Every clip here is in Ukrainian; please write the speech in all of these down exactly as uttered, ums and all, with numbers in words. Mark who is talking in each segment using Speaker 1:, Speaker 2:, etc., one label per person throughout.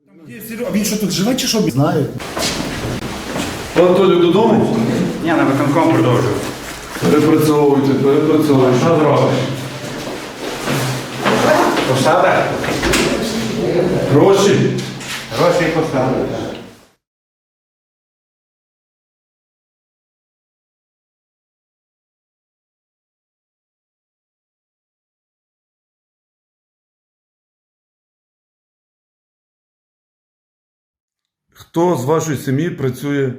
Speaker 1: А він що тут живе чи що?
Speaker 2: Знаю.
Speaker 3: Анатолій додому?
Speaker 4: Ні, на виконком продовжую.
Speaker 3: Перепрацьовуйте, перепрацьовуйте.
Speaker 4: Що зробиш? Посада?
Speaker 3: Гроші.
Speaker 4: Гроші і посада.
Speaker 3: Хто з вашої сім'ї працює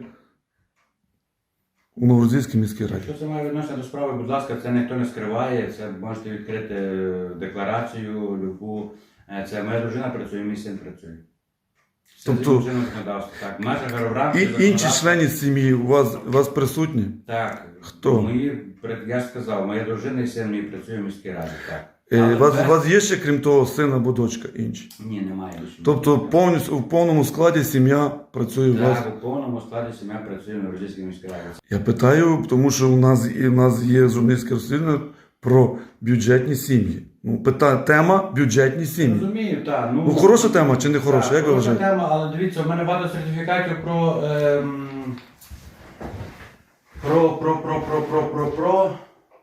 Speaker 3: у Новорозійській міській раді?
Speaker 4: Якщо це має відношення до справи, будь ласка, це ніхто не скриває, це можете відкрити декларацію, любу. Це моя дружина працює, мій син працює. Все
Speaker 3: Тобто-
Speaker 4: згідно чинного законодавства. Так, в межах Географії,
Speaker 3: І інші
Speaker 4: законодавства.
Speaker 3: члени сім'ї у вас, у вас присутні?
Speaker 4: Так.
Speaker 3: Хто?
Speaker 4: Мої, я ж сказав, моя дружина і син мій працює в міській раді, так.
Speaker 3: Е,
Speaker 4: Але
Speaker 3: У вас,
Speaker 4: це-
Speaker 3: у вас є ще, крім того, син або дочка інші?
Speaker 4: Ні, немає більше.
Speaker 3: Тобто повністю в повному складі сім'я працює у вас?
Speaker 4: Так, у повному складі сім'я працює в Новорозійській міській раді.
Speaker 3: Я питаю, тому що у нас, і у нас є журналістське розслідування про бюджетні сім'ї. Ну, пита, тема бюджетні сім'ї.
Speaker 4: Розумію, так. Ну,
Speaker 3: Ну, хороша тема чи не хороша?
Speaker 4: Так,
Speaker 3: Як ви
Speaker 4: хороша
Speaker 3: вважаєте?
Speaker 4: тема, але дивіться, у мене багато сертифікатів про, ем, про, про, про, про, про, про, про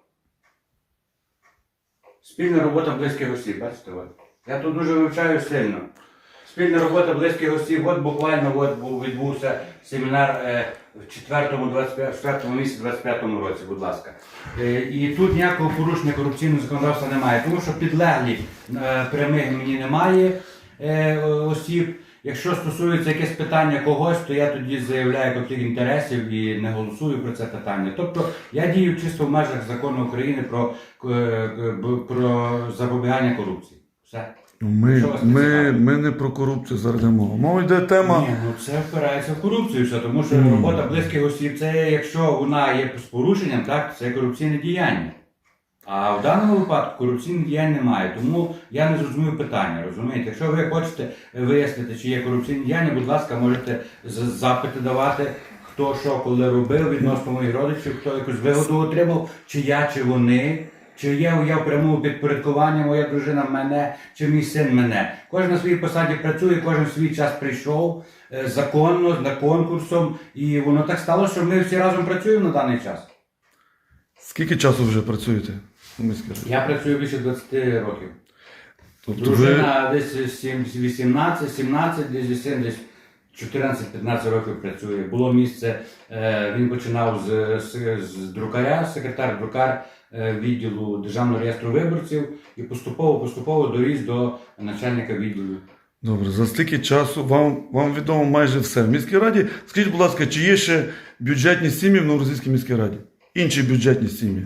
Speaker 4: спільна робота близьких осіб, бачите, от. Я тут дуже вивчаю сильно. Спільна робота близьких осіб, от буквально от був, відбувся семінар е, в четвертому, двадцять п'ятому, четвертому місяці двадцять п'ятому році, будь ласка. Е, і тут ніякого порушення корупційного законодавства немає, тому що підлеглі е, прямих мені немає е, осіб. Якщо стосується якесь питання когось, то я тоді заявляю конфлікт інтересів і не голосую про це питання. Тобто я дію чисто в межах закону України про, е, про запобігання корупції. Все.
Speaker 3: Ну, Ми,
Speaker 4: Що вас
Speaker 3: ми,
Speaker 4: цікавить?
Speaker 3: ми не про корупцію зараз йде мова. Мова йде тема.
Speaker 4: Ні, ну це впирається в корупцію, все, тому що
Speaker 3: Мгм.
Speaker 4: робота близьких осіб, це якщо вона є з порушенням, так, це корупційне діяння. А в даному випадку корупційних діянь немає, тому я не зрозумів питання, розумієте? Якщо ви хочете вияснити, чи є корупційні діяння, будь ласка, можете з- запити давати, хто що коли робив відносно моїх родичів, хто якусь вигоду отримав, чи я, чи вони. Чи є я в прямому підпорядкуванні, моя дружина мене, чи мій син мене. Кожен на своїй посаді працює, кожен в свій час прийшов е, законно, за конкурсом. І воно так сталося, що ми всі разом працюємо на даний час.
Speaker 3: Скільки часу вже працюєте у міській раді?
Speaker 4: Я працюю більше двадцяти років.
Speaker 3: Тобто
Speaker 4: Дружина десь сім- вісімнадцять, сімнадцять, десь син десь чотирнадцять-п'ятнадцять років працює. Було місце, е, він починав з, з, з друкаря, секретар-друкар е, відділу Державного реєстру виборців і поступово-поступово доріс до начальника відділу.
Speaker 3: Добре, за стільки часу вам, вам відомо майже все. В міській раді, скажіть, будь ласка, чи є ще бюджетні сім'ї в Новорозійській міській раді? Інші бюджетні сім'ї?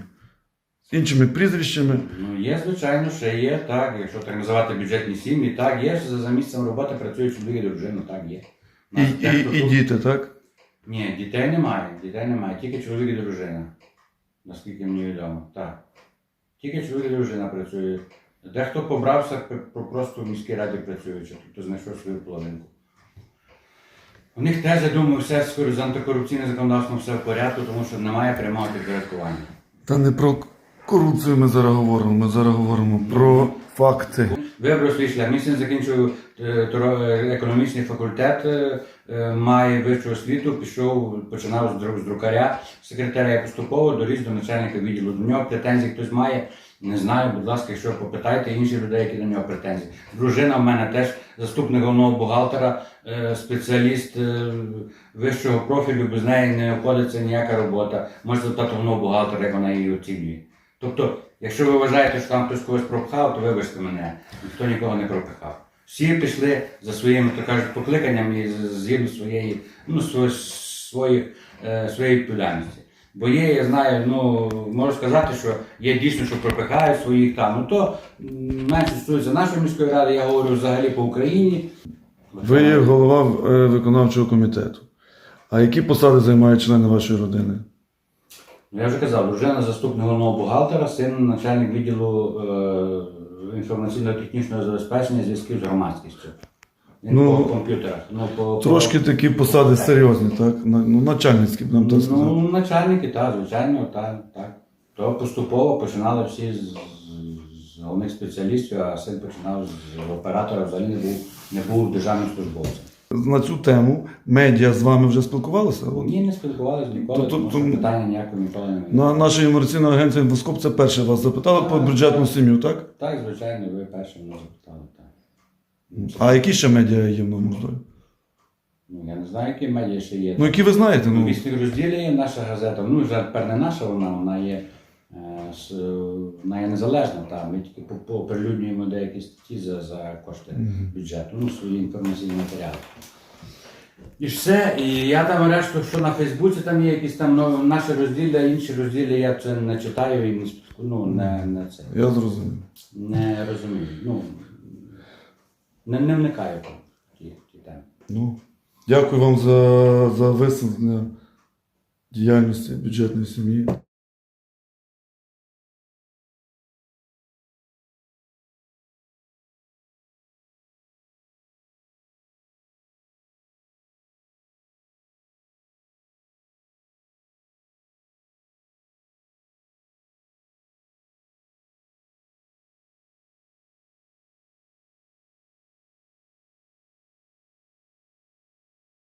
Speaker 3: З іншими прізвищами?
Speaker 4: Ну, є, звичайно, ще є, так, якщо так називати бюджетні сім'ї, так, є, за, за місцем роботи працюють чоловік і дружина, так, є. У
Speaker 3: І,
Speaker 4: нас
Speaker 3: і,
Speaker 4: дехто
Speaker 3: і
Speaker 4: тут-
Speaker 3: діти, так?
Speaker 4: Ні, дітей немає, дітей немає, тільки чоловік і дружина, наскільки мені відомо, так. Тільки чоловік і дружина працює. Дехто побрався про- просто в міській раді працюючи, тобто знайшов свою половинку. У них теж, я думаю, все з антикорупційним законодавством все в порядку, тому що немає прямого підпорядкування.
Speaker 3: Та не про корупцію ми зараз говоримо, ми зараз говоримо про факти.
Speaker 4: Вибрав свій шлях. Мій син закінчив е, торо- е, економічний факультет, е, е, має вищу освіту, пішов, починав з дру- з друкаря, секретаря і поступово доріс до начальника відділу. До нього претензій хтось має, не знаю, будь ласка, якщо попитайте інших людей, які до нього претензії. Дружина в мене теж заступник головного бухгалтера, е, спеціаліст е, вищого профілю, без неї не обходиться ніяка робота. Можете запитати головного бухгалтера, як вона її оцінює. Тобто, якщо ви вважаєте, що там хтось когось пропихав, то вибачте мене, ніхто нікого не пропихав. Всі пішли за своїм, так кажуть, покликанням і з- згідно своєї, ну, сво- своїх, е, своєї відповідальності. Бо є, я знаю, ну, можу сказати, що є дійсно, що пропихають своїх там. Ну то м, менше стосується нашої міської ради, я говорю взагалі по Україні.
Speaker 3: Ви є голова е, виконавчого комітету. А які посади займають члени вашої родини?
Speaker 4: Я вже казав, дружина заступник головного бухгалтера, син начальник відділу е, інформаційно-технічного забезпечення зв'язків з громадськістю. Він
Speaker 3: Ну,
Speaker 4: по комп'ютерах. Ну, по,
Speaker 3: Трошки
Speaker 4: по...
Speaker 3: такі посади серйозні, так? На- Ну, начальницькі, б нам так сказати.
Speaker 4: Ну, начальники, так, звичайно, так, так. То поступово починали всі з, з, з головних спеціалістів, а син починав з оператора, взагалі не був, не був державним службовцем.
Speaker 3: На цю тему медіа з вами вже спілкувалися? От.
Speaker 4: Ні, не спілкувалися ніколи,
Speaker 3: То- то-
Speaker 4: тому що
Speaker 3: то-
Speaker 4: питання ніякого ніколи не виникало.
Speaker 3: На нашій інформаційній агенції «Інфоскоп» це перше вас запитали по
Speaker 4: Так,
Speaker 3: бюджетну
Speaker 4: так.
Speaker 3: сім'ю, так?
Speaker 4: Так, звичайно, ви перші мене запитали. Так.
Speaker 3: А які ще медіа є в Новому Роздолі?
Speaker 4: Ну, я не знаю, які медіа ще є.
Speaker 3: Ну, які ви знаєте?
Speaker 4: Ну,
Speaker 3: Ну,
Speaker 4: вісні розділі є наша газета. Ну, вже тепер не наша вона, вона є, е, с- вона є незалежна. Та. Ми тільки по- по- оприлюднюємо деякі статті за, за кошти бюджету, ну, свої інформаційні матеріали. І ж все. І я там решту, що на Фейсбуці там є якісь там ну, наші розділля, інші розділі, я це не читаю і не, спілку- ну, не, не, це,
Speaker 3: я зрозумів.
Speaker 4: не розумію. Ну, не, не вникаю в ті, ті теми.
Speaker 3: Ну, дякую вам за, за висвітлення діяльності бюджетної сім'ї.